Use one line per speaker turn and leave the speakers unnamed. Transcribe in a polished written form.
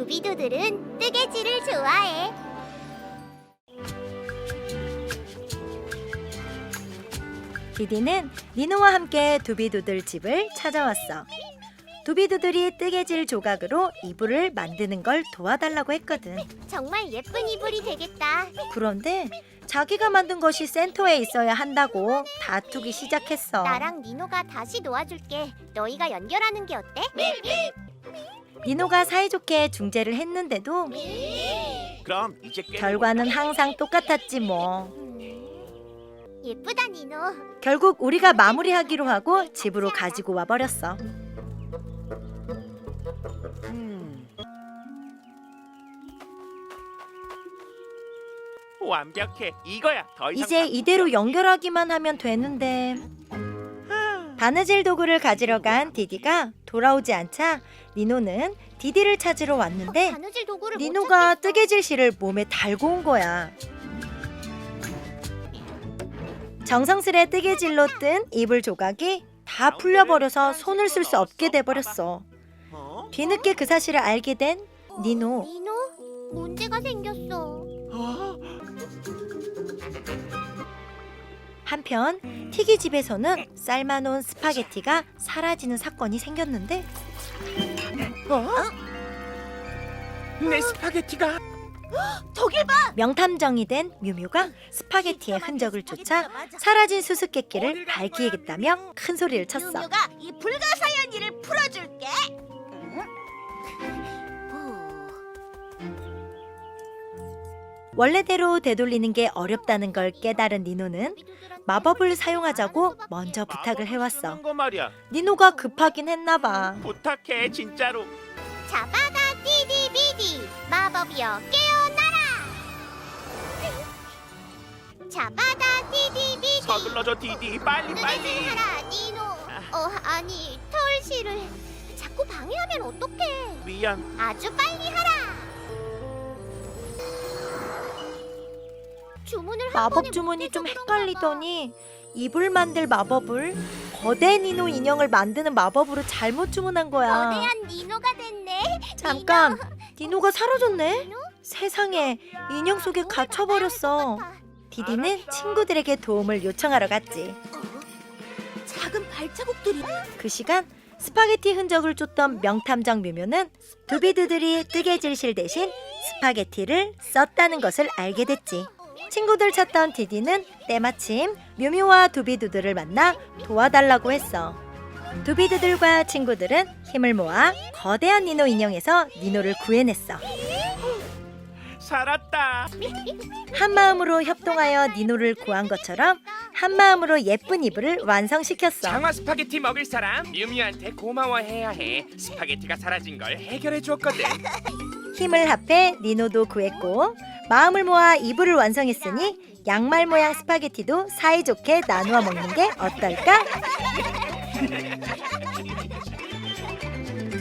두비두들은 뜨개질을 좋아해.
디디는 니노와 함께 두비두들 집을 찾아왔어. 두비두들이 뜨개질 조각으로 이불을 만드는 걸 도와달라고 했거든.
정말 예쁜 이불이 되겠다.
그런데 자기가 만든 것이 센터에 있어야 한다고 다투기 시작했어.
나랑 니노가 다시 놓아줄게. 너희가 연결하는 게 어때?
니노가 사이좋게 중재를 했는데도
그럼 이제
결과는 항상 똑같았지 뭐.
예쁘다, 니노.
결국 우리가 마무리하기로 하고 집으로 가지고 와버렸어.
완벽해. 이거야. 더 이상
이제 이대로 연결하기만 하면 되는데. 바느질 도구를 가지러 간 디디가 돌아오지 않자 니노는 디디를 찾으러 왔는데
바느질 도구를 못
니노가
찾겠어.
뜨개질 실을 몸에 달고 온 거야. 정성스레 뜨개질로 뜬 이불 조각이 다 풀려버려서 손을 쓸 수 없게 돼버렸어.
어?
뒤늦게 그 사실을 알게 된 니노.
니노, 문제가 생겼어.
어?
한편 티기 집에서는 삶아놓은 스파게티가 사라지는 사건이 생겼는데
내 스파게티가
명탐정이 된 뮤뮤가 스파게티의 흔적을 쫓아 사라진 수수께끼를 밝히겠다며 큰 소리를 쳤어.
뮤뮤가 이 불가사의한 일을 풀어줄게.
원래대로 되돌리는 게 어렵다는 걸 깨달은 니노는 마법을 사용하자고 먼저 부탁을 해왔어.
쓰는 거 말이야.
니노가 급하긴 했나 봐.
부탁해 진짜로.
자바다 디디비디 마법이여 깨어나라. 자바다 디디비디
서둘러줘 디디. 빨리 빨리.
뜨개질하라 니노. 아니 털실을 자꾸 방해하면 어떡해.
미안.
아주 빨리 하라. 주문을 한 번에
마법 주문이
못해서
좀
그런가 봐.
헷갈리더니 이불 만들 마법을 거대 니노 인형을 만드는 마법으로 잘못 주문한 거야.
거대한 니노가 됐네.
잠깐, 니노가 사라졌네?
니노?
세상에, 인형 속에 갇혀버렸어. 디디는 친구들에게 도움을 요청하러 갔지.
작은 발자국들이.
그 시간 스파게티 흔적을 쫓던 명탐정 뮤뮤는 두비두들이 뜨개질실 대신 스파게티를 썼다는 것을 알게 됐지. 친구들 찾던 디디는 때마침 뮤뮤와 두비두들을 만나 도와달라고 했어. 두비두들과 친구들은 힘을 모아 거대한 니노 인형에서 니노를 구해냈어.
살았다.
한마음으로 협동하여 니노를 구한 것처럼 한마음으로 예쁜 이불을 완성시켰어.
장화 스파게티 먹을 사람 뮤미한테 고마워해야 해. 스파게티가 사라진 걸 해결해 주었거든.
힘을 합해 니노도 구했고 마음을 모아 이불을 완성했으니 양말 모양 스파게티도 사이좋게 나누어 먹는 게 어떨까?